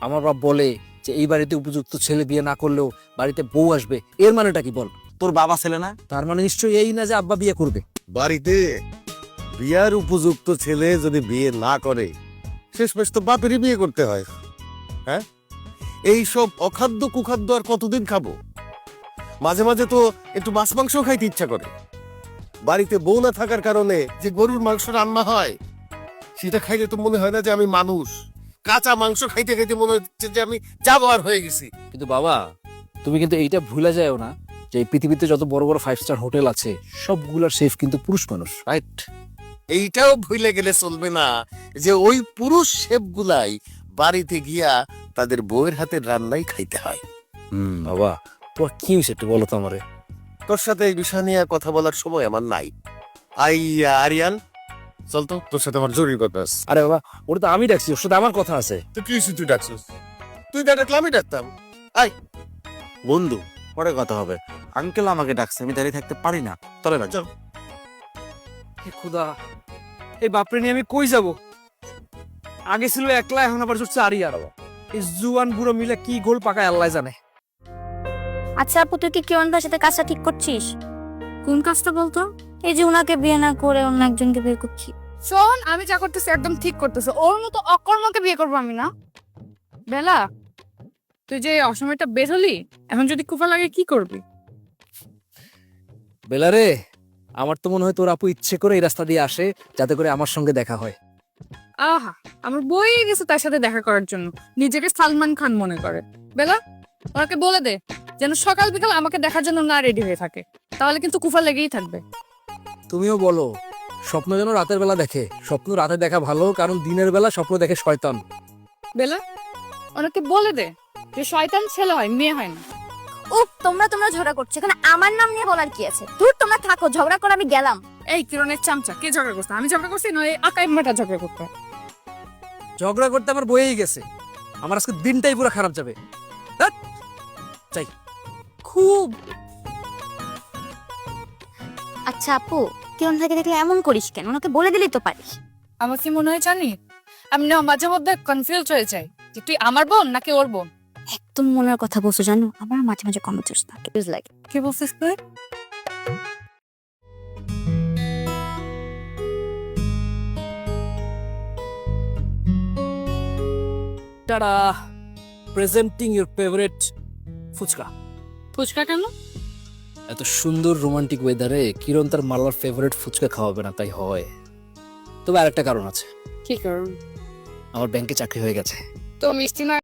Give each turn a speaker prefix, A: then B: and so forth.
A: আমার বাপ বলে যে এই বাড়িতে উপযুক্ত ছেলে বিয়ে না করলেও বাড়িতে বউ আসবে, এর মানেটা কি বল?
B: তোর বাবা ছেলে না?
A: তার মানে নিশ্চয়ই এই না যে আব্বা বিয়ে করবে।
C: বাড়িতে বিয়ার উপযুক্ত ছেলে যদি বিয়ে না করে, শেষমেশ তো বাপেরই বিয়ে করতে হয়। হ্যাঁ, এইসব অখাদ্য কুখাদ্য আর কতদিন খাবো? মাঝে মাঝে তো একটু মাছ মাংস খাইতে ইচ্ছা করে। বাড়িতে বউ না থাকার কারণে যে গরুর মাংস রান্না হয়, সেটা খাইলে তো মনে হয় না যে আমি মানুষ। কাঁচা মাংস খাইতে খাইতে মনে হচ্ছে যে আমি জানোয়ার হয়ে গেছি।
A: কিন্তু বাবা, তুমি কিন্তু এইটা ভুলে যাও না যে এই পৃথিবীতে যত বড় বড় 5 স্টার হোটেল আছে সবগুলোর শেফ কিন্তু পুরুষ মানুষ, রাইট?
C: এইটাও ভুলে গেলে চলবে না যে ওই পুরুষ শেফগুলাই বাড়িতে গিয়া তাদের বউয়ের হাতের রান্নাই খাইতে হয়।
A: বাবা, তোমার কি হয়েছে একটু বলো তো আমারে।
C: তোর সাথে এই বিষয় নিয়ে আর কথা বলার সময় আমার নাই। আরিয়ান, চল তো, তোর সাথে আমার জরুরি কথা আছে।
A: আরে বাবা, ওটা তো আমি ডাকছি, ওর সাথে আমার কথা আছে।
C: তো কি হয়েছে তুই ডাকছিস? তুই ডাকলে আমি ডাকতাম।
B: বন্ধু, পরে কথা হবে। আঙ্কেল আমাকে ডাকছে, আমি দাঁড়িয়ে থাকতে পারি না। চলে না, চল।
A: হে খোদা, এই বাপরে নিয়ে আমি কই যাব? আগে ছিল একলা, এখন আবার জুটছে আরিয়ার। এই জুয়ান বুড়ো মিলে কি গোল পাকায় আল্লাহ জানে।
D: আচ্ছা আপু, তুই কি কিরণদার সাথে কাজটা ঠিক করছিস?
E: কোন কাজটা বলতো?
D: এই যে উনাকে বিয়ে না করে অন্য একজনকে বিয়ে করছি।
E: শোন, আমি যা করতেছি একদম ঠিক করতেছে। ওর মতো অকর্মকে বিয়ে করবো আমি না। বেলা, তুই যে অসময়টা বের হলি, এখন যদি কুফা লাগে কি করবি?
A: বেলারে, আমার তো মনে হয় তোর আপু ইচ্ছে করে এই রাস্তা দিয়ে আসে যাতে করে আমার সঙ্গে দেখা হয়।
E: আহা, আমার বই গেছে তার সাথে দেখা করার জন্য, নিজেকে সালমান খান মনে করে। বেলা, ওনাকে বলে দে যেন সকাল বিকাল আমাকে দেখার জন্য না রেডি হয়ে থাকে, তাহলে কিন্তু কুফা লেগেই থাকবে।
A: তুমিও বলো স্বপ্ন যেন রাতের বেলা দেখে। স্বপ্ন রাতে দেখা ভালো, কারণ দিনের বেলা স্বপ্ন দেখে শয়তান।
E: বেলা, ওনাকে বলে দে যে শয়তান ছেলে হয়, মেয়ে হয় না।
D: তোমরা ঝগড়া করছো, এখানে আমার নাম নিয়ে বলার কি আছে? দূর, তোমরা থাকো, ঝগড়া করে আমি গেলাম।
E: এই কিরণের চামচা, কে ঝগড়া করছে? আমি ঝগড়া করছি নয় আকাই মাটা ঝগড়া করতে।
A: ঝগড়া করতে আমার বয়েই গেছে, আমার আজকে দিনটাই পুরো খারাপ যাবে। ধ্যাৎ, চাই
E: খুব
D: আচ্ছা আপু, কিরণ থেকে দেখলে এমন করিস কেন? ওনাকে বলে দিলেই তো পারিস।
E: আমার কি মনে হয় জানি, আমি না মাঝে মধ্যে কনফিউজ হয়ে যাই যে তুই আমার বোন নাকি ওর বোন।
D: একদম মনের কথা বলছো, জানো আমার মাঝে মাঝে কমেন্টস থাকে, লাগে।
E: কি বলছিস তুই?
A: Tada, presenting your favourite phuchka.
E: Phuchka কেন?
A: এত সুন্দর রোমান্টিক ওয়েদারে কিরণ তার মালার ফেভারিট ফুচকা খাওয়াবে না, তাই হয়। তবে আরেকটা কারণ আছে,
E: কি কারণ?
A: আমার ব্যাংকে চাকরি হয়ে গেছে।
E: তো মিষ্টি না